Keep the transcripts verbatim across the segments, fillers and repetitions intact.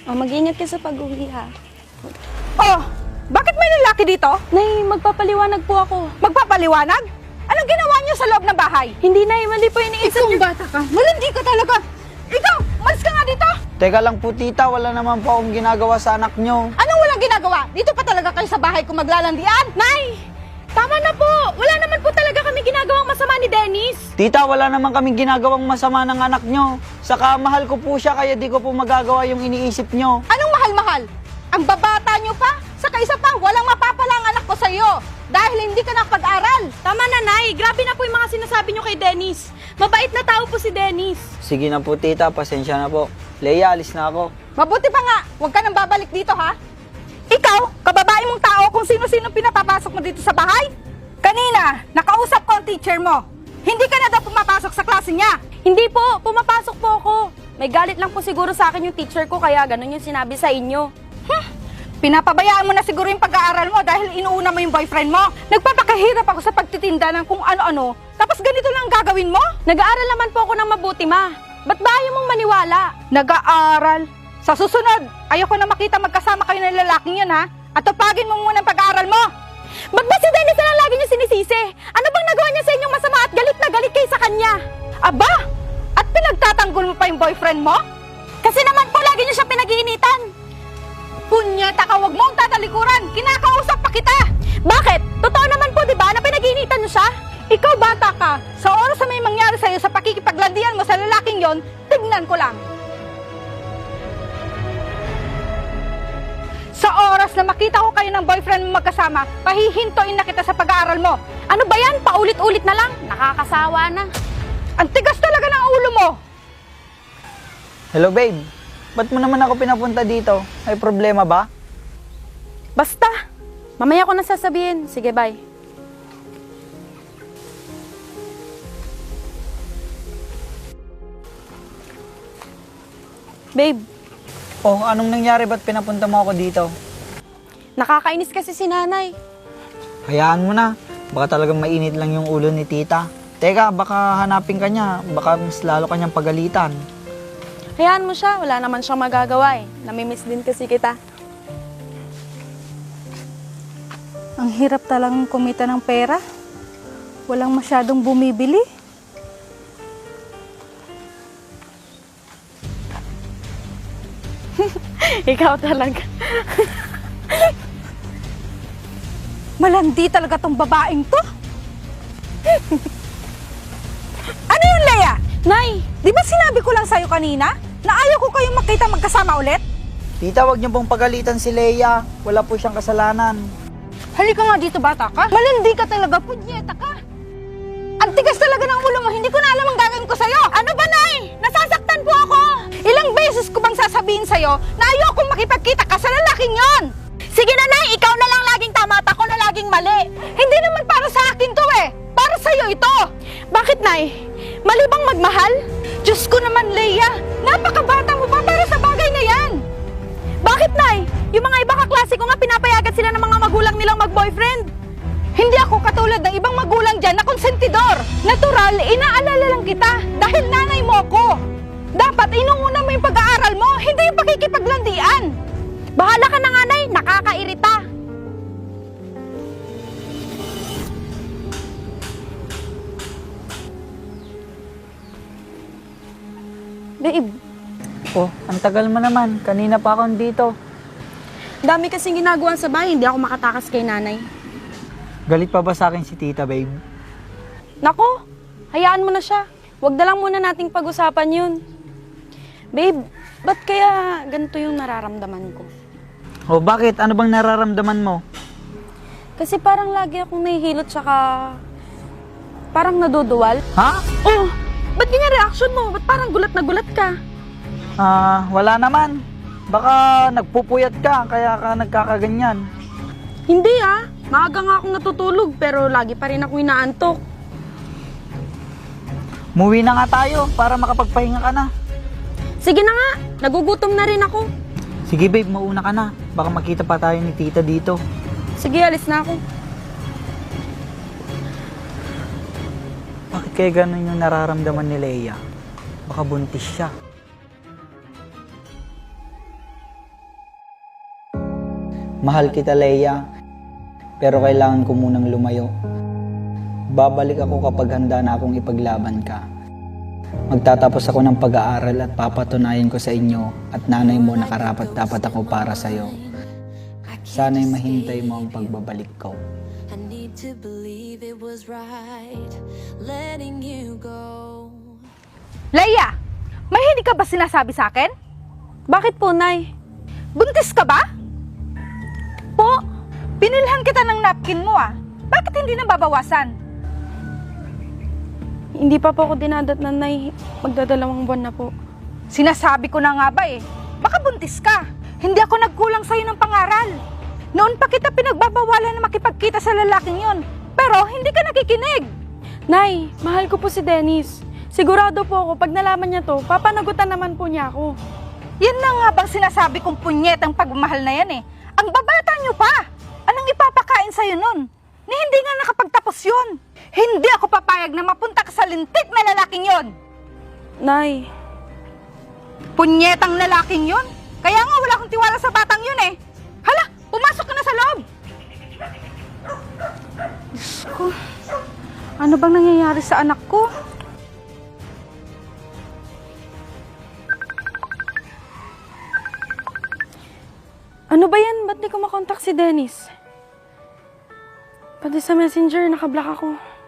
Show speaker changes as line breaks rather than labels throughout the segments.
Oh, mag-ingat ka sa pag-uwi, ha?
Oh, bakit may lalaki dito?
Nay, magpapaliwanag po ako.
Magpapaliwanag? Anong ginawa niyo sa loob ng bahay?
Hindi, Nay. Mali po iniisip
Ikaw
niyo.
bata ka. Malandi ka talaga. Ikaw, malis ka nga dito.
Teka lang po tita, wala naman po akong ginagawa sa anak nyo.
Anong walang ginagawa? Dito pa talaga kayo sa bahay kung maglalandian?
Nay! Tama na po! Wala naman po talaga kami ginagawang masama ni Dennis.
Tita, wala naman kaming ginagawang masama ng anak nyo. Saka mahal ko po siya kaya di ko po magagawa yung iniisip nyo.
Anong mahal-mahal? Ang babata niyo pa? Saka isa pa, walang mapapala ang anak ko sa iyo dahil hindi ka nakapag-aral.
Tama na, Nay. Grabe na po yung mga sinasabi niyo kay Dennis. Mabait na tao po si Dennis.
Sige na po tita, pasensya na po. Leia, alis na ako.
Mabuti pa nga, huwag ka nang babalik dito ha. Ikaw, kababae mong tao kung sino-sino pinapapasok mo dito sa bahay? Kanina, nakausap ko ang teacher mo. Hindi ka na daw pumapasok sa klase niya.
Hindi po. Pumapasok po ako. May galit lang po siguro sa akin yung teacher ko kaya ganun yung sinabi sa inyo.
Huh? Pinapabayaan mo na siguro yung pag-aaral mo dahil inuuna mo yung boyfriend mo. Nagpapakahirap ako sa pagtitinda ng kung ano-ano, tapos ganito lang ang gagawin mo?
Nag-aaral naman po ako ng mabuti, Ma. Ba't ba ayaw mong maniwala?
Nag-aaral? Sa susunod, ayoko na makita magkasama kayo ng lalaking yun ha. At tupagin mo muna ang pag-aaral mo.
Ba't ba si Dennis na lang lagi niyo sinisisi? Ano bang nagawa niya sa inyong masama at galit na galit kayo sa kanya?
Aba, at pinagtatanggol mo pa yung boyfriend mo?
Kasi naman po lagi niyo siya pinag-iinitan.
Punyeta ka, wag mo ang tatalikuran. Kinakausap pa kita.
Bakit? Totoo naman po, di ba, na pinag-iinitan niyo siya?
Ikaw bata ka, sa oras na may mangyari sa'yo sa pakikipaglandian mo sa lalaking yon, tignan ko lang. Sa oras na makita ko kayo ng boyfriend mo magkasama, pahihintuin na kita sa pag-aaral mo.
Ano ba yan? Paulit-ulit na lang. Nakakasawa na.
Ang tigas talaga ng ulo mo.
Hello babe, ba't mo naman ako pinapunta dito? May problema ba?
Basta. Mamaya ko na sasabihin. Sige, bye. Babe,
Oh, anong nangyari? Ba't pinapunta mo ako dito?
nakakainis kasi si nanay.
Hayaan mo na. Baka talagang mainit lang yung ulo ni tita. Teka, baka hanapin ka niya. Baka mas lalo kanyang pagalitan.
Hayaan mo siya. Wala naman siyang magagawa eh. Namimiss din kasi kita.
Ang hirap talagang kumita ng pera. Walang masyadong bumibili.
Ikaw talaga.
Malandi talaga tong babaeng to. Ano yun, Leia?
Nay!
Di ba sinabi ko lang sa'yo kanina na ayaw ko kayong makita magkasama ulit?
Tita, wag niyo pong pagalitan si Leia. Wala po siyang kasalanan.
Halika nga dito, bata ka. Malandi ka talaga, punyeta ka. Ang tigas talaga ng ulo mo, hindi ko na alam ang gagawin ko sa'yo. Ano ba, Nay? Nasasaktan po ako. Ilang beses ko bang sasabihin sa'yo na ayokong makipagkita ka sa lalaking yon?
Sige na, Nay! Ikaw na lang laging tama at ako na laging mali.
Hindi naman para sa akin to eh. Para sa'yo ito.
Bakit, Nay? Mali bang magmahal?
Diyos ko naman, Leia. Napakabata mo pa para sa bagay na yan.
Bakit, Nay? Yung mga iba kaklase ko nga pinapayagan sila ng mga magulang nilang mag-boyfriend.
Hindi ako katulad ng ibang magulang dyan na konsentidor. Natural, inaalala lang kita dahil nanay mo ako. Dapat inuuna mo yung pag-aaral mo, hindi yung pakikipaglandian.
Bahala ka na nga, Nay. Nakakairita. Babe,
Oh, ang tagal mo naman. Kanina pa ako dito.
dami kasing ginagawa sa bahay. Hindi ako makatakas kay nanay.
Galit pa ba sa akin si tita, babe?
Nako, hayaan mo na siya. Huwag na lang muna nating pag-usapan yun. Babe, ba't kaya ganito yung nararamdaman ko?
Oh, bakit? Ano bang nararamdaman mo?
Kasi parang lagi akong nahihilot tsaka parang naduduwal.
Ha?
Oh, ba't ganyan reaction mo? Ba't parang gulat na gulat ka?
Ah, wala naman. Baka nagpupuyat ka, kaya ka nagkakaganyan.
Hindi ah, maaga nga akong natutulog pero lagi pa rin ako inaantok.
Muwi na nga tayo para makapagpahinga ka na.
Sige na nga, nagugutom na rin ako.
Sige babe, mauna ka na. Baka makita pa tayo ni tita dito.
Sige, alis na ako.
Bakit kaya ganun yung nararamdaman ni Leia? Baka buntis siya. Mahal kita, Leia. Pero kailangan ko munang lumayo. Babalik ako kapag handa na akong ipaglaban ka. Magtatapos ako ng pag-aaral at papatunayan ko sa inyo at nanay mo na karapat-dapat ako para sa'yo. Sana'y mahintay mo ang pagbabalik ko.
I need to believe it was right letting you go.
Leia, may hindi ka ba sinasabi sa akin?
Bakit po, Nay?
Buntis ka ba? Po, binilhan kita ng napkin mo ah. Bakit hindi nababawasan?
Hindi pa po ako dinadatnan, Nay. Magdadalawang buwan na po.
Sinasabi ko na nga ba eh. Baka buntis ka. Hindi ako nagkulang sa'yo ng pangaral. Noon pa kita pinagbabawalan na makipagkita sa lalaking yon. Pero hindi ka nakikinig.
Nay, mahal ko po si Dennis. Sigurado po ako, pag nalaman niya to, papanagutan naman po niya ako.
Yan na nga bang sinasabi kong punyet ang pagmamahal na yan eh. Ang babata nyo pa. Anong ipapakain sa'yo nun? Ni hindi nga nakapagtapos yun. Hindi ako papayag na mapunta ka sa lintik na lalaking yon.
Nay,
Punyetang lalaking yun. Kaya nga wala akong tiwala sa batang yun eh. Hala, pumasok ka na sa loob. Diyos ko, ano bang nangyayari sa anak ko?
ano ba yan? Ba't di ko makontak si Dennis? Pati sa messenger, nakablock ako.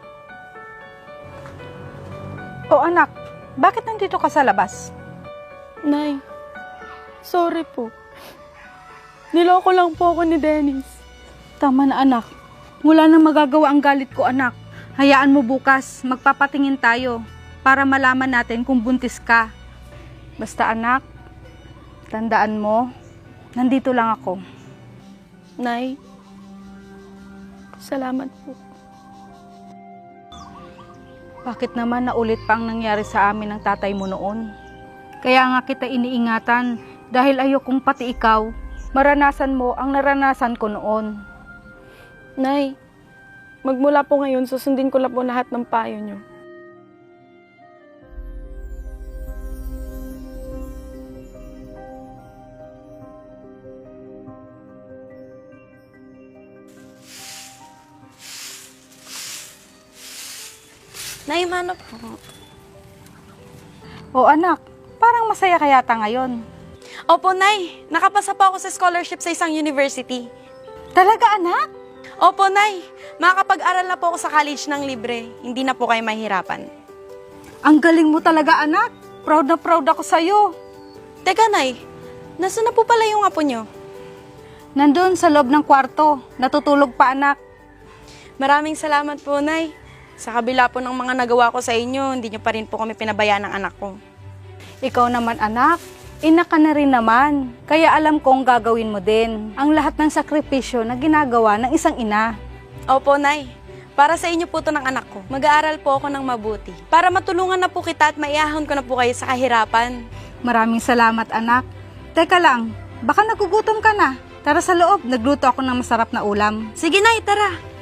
O anak, bakit nandito ka sa labas?
Nay, sorry po. Niloko lang po ako ni Dennis.
Tama na anak, wala nang magagawa ang galit ko anak. Hayaan mo bukas, magpapatingin tayo para malaman natin kung buntis ka. Basta anak, tandaan mo, nandito lang ako.
Nay, salamat po.
Bakit naman naulit pa ang nangyari sa amin ng tatay mo noon? Kaya nga kita iniingatan dahil ayokong pati ikaw, maranasan mo ang naranasan ko noon.
Nay, magmula po ngayon, susundin ko lang po lahat ng payo niyo. Nay, mano po?
O anak, parang masaya ka yata ngayon.
Opo, Nay. Nakapasa po ako sa scholarship sa isang university.
Talaga anak?
Opo, Nay. Makakapag-aral na po ako sa college ng libre. Hindi na po kayo mahirapan.
Ang galing mo talaga anak. Proud na proud ako sa'yo.
Teka, Nay. Nasaan na po pala yung apo niyo?
Nandun sa loob ng kwarto, natutulog pa anak.
Maraming salamat po, Nay. Sa kabila po ng mga nagawa ko sa inyo, hindi niyo pa rin po kami pinabayaan ng anak ko.
Ikaw naman anak, ina ka na rin naman. Kaya alam kong gagawin mo din ang lahat ng sakripisyo na ginagawa ng isang ina.
Opo, Nay. Para sa inyo po to ng anak ko. Mag-aaral po ako ng mabuti. Para matulungan na po kita at maiahon ko na po kayo sa kahirapan.
Maraming salamat anak. Teka lang, baka nagugutom ka na. Tara sa loob, nagluto ako ng masarap na ulam.
Sige, Nay, tara.